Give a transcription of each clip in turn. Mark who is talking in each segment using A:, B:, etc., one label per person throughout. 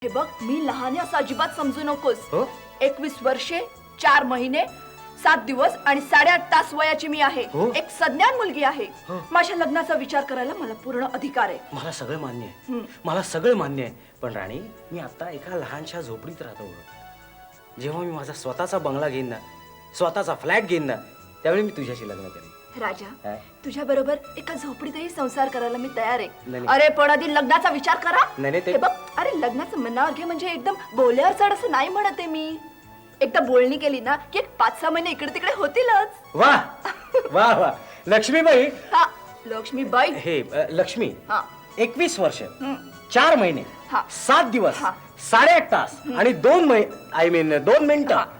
A: हे बघ, मी लहान आहे असं अजिबात समजू नकोस.
B: हो?
A: 21 वर्षे 4 महिने 7 दिवस आणि 8.5 तास वयाची मी आहे.
B: हो?
A: एक सज्ञान मुलगी आहे.
B: हो.
A: माझ्या लग्नाचा विचार करायला मला पूर्ण अधिकार आहे.
B: मला सगळं मान्य आहे. मला सगळं मान्य आहे. पण राणी, मी आता एका लहानशा झोपडीत राहतो. जेव्हा मी माझा स्वतःचा बंगला घेईन ना, स्वतःचा फ्लॅट घेईन ना, त्यावेळी मी तुझ्याशी लग्न करेन.
A: राजा,
B: हा?
A: तुझ्या बरोबर एका झोपडीतही संसार करायला मी तयार आहे.
B: नाही.
A: अरे पण आधी लग्नाचा विचार करा.
B: नाही, ते-
A: हे बघ, अरे लग्नाचं मनावर घे म्हणजे एकदम बोल्यावर चढ असं नाही म्हणत आहे मी. एकदा बोलणी केली ना की एक 5-6 महिने इकडे तिकडे होतीलच.
B: वा वा वा लक्ष्मीबाई.
A: हा, लक्ष्मीबाई.
B: हे लक्ष्मी,
A: हा.
B: 21 वर्ष 4 महिने
A: हा.
B: 7 दिवस
A: हा.
B: 8.5 तास आणि 2 मिनिटं
A: हा.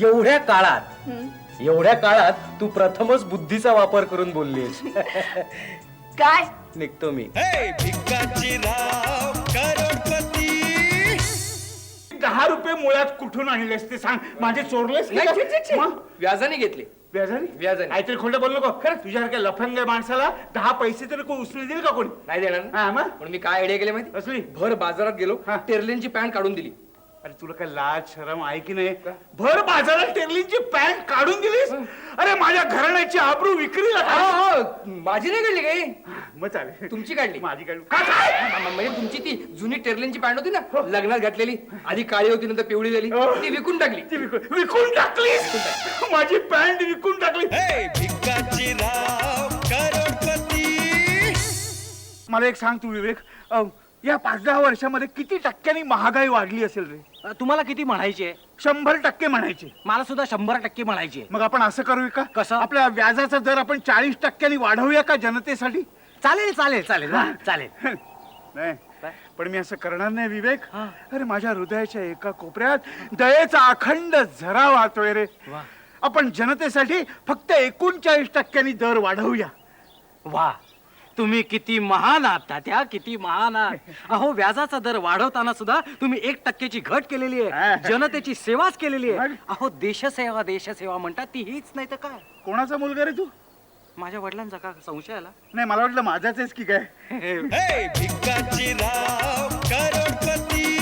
B: एवढ्या काळात तू प्रथमच बुद्धीचा वापर करून बोललीस.
A: काय
B: निघतो मी.
C: भिकाजीराव करोडपती.
D: 10 रुपये मुळात कुठून आणलेस ते सांग. माझे चोरलेस की काय? मग?
E: व्याजाने घेतले.
D: व्याजाने?
E: व्याजाने.
D: काहीतरी खोटं बोललो का? खरं तुझ्यासारख्या लफंग माणसाला 10 पैसे तरी कोण उचलून देईल का कोणी?
E: नाही देणार ना.
D: हा, मग?
E: पण मी काय आयडिया केली माहिती?
D: असली?
E: भर बाजारात गेलो,
D: हा.
E: टेर्लेनची पॅन्ट काढून दिली.
D: अरे तुला काय लाज शरम आहे की नाही? भर बाजारात टेरलीची पॅन्ट काढून दिलीस? अरे माझ्या घराण्याची आबरू विक्रीला
E: हा,
D: काढ.
E: हा, माझी नाही काढली काही.
D: मग चालेल.
E: तुमची काढली.
D: माझी काढली. काय?
E: म्हणजे तुमची ती जुनी टेर्लेनची पॅन्ट होती ना, लग्नात घातलेली, आधी काळी होती नंतर पिवळी झाली,
D: हो.
E: ती विकून टाकली.
D: ती विकून टाकलीस? माझी पॅन्ट विकून टाकली.
C: भिकाजीराव करोडपती.
D: मला एक सांग तू विवेक, या 5-10 वर्षामध्ये किती टक्क्यांनी महागाई वाढली असेल रे?
B: तुम्हाला किती म्हणायचे?
D: 100% म्हणायचे.
B: मला सुद्धा 100% म्हणायचे.
D: मग आपण असं करूया का?
B: कसं?
D: आपल्या व्याजाचा दर आपण 40% वाढवूया का जनतेसाठी?
B: चालेल चालेल चालेल वा, चालेल.
D: नाही, पण मी असं करणार नाही विवेक.
B: हा.
D: अरे माझ्या हृदयाच्या एका कोपऱ्यात दयेचा अखंड झरा वाहतोय रे.
B: वा.
D: आपण जनतेसाठी फक्त 39% दर वाढवूया.
B: वा, तुम्ही किती महान आहात तात्या, किती महान आहात. अहो, व्याजाचा दर वाढवताना सुद्धा तुम्ही 1% घट केलेली आहे. जनतेची सेवाच केलेली आहे. अहो, देशसेवा देशसेवा म्हणतात ती हीच नाही तर काय?
D: कोणाचा मुलगा रे तू?
B: माझ्या वडिलांचा का संशय आला?
D: नाही, मला वाटलं माझाच आहेस की काय.
C: भिकाजीराव करोडपती.